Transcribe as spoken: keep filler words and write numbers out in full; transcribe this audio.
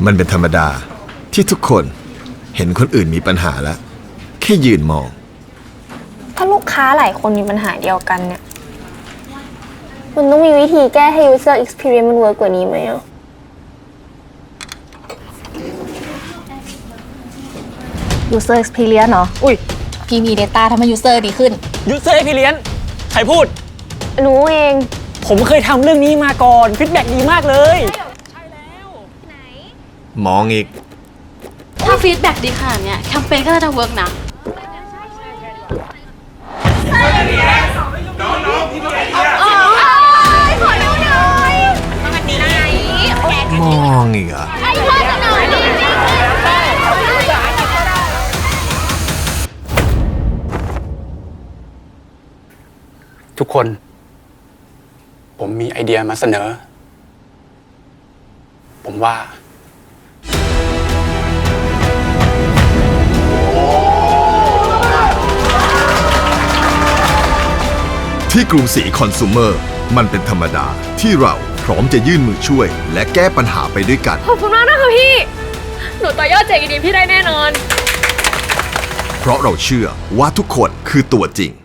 มันเป็นธรรมดาที่ทุกคนเห็นคนอื่นมีปัญหาแล้วแค่ยืนมองถ้าลูกค้าหลายคนมีปัญหาเดียวกันเนี่ยมันต้องมีวิธีแก้ให้ user experience มันเวิร์กกว่านี้ไหมอ่ะ user experience เนาะอุ้ยพี่มี data ทำให้ user ดีขึ้น user experience ใครพูดรู้เองผมเคยทำเรื่องนี้มาก่อนฟีดแบ็กดีมากเลยมองอีกถ้าฟีดแบ็กดีขนาดเนี้ยแคมเปญก็น่าจะเวิร์กนะมองอีกอ่ะทุกคนผมมีไอเดียมาเสนอผมว่าที่กรุงศรีคอน sumer มันเป็นธรรมดาที่เราพร้อมจะยื่นมือช่วยและแก้ปัญหาไปด้วยกันขอบคุณมากนะคะพี่ หนูต่อยอดเจ๋งดีพี่ได้แน่นอนเพราะเราเชื่อว่าทุกคนคือตัวจริง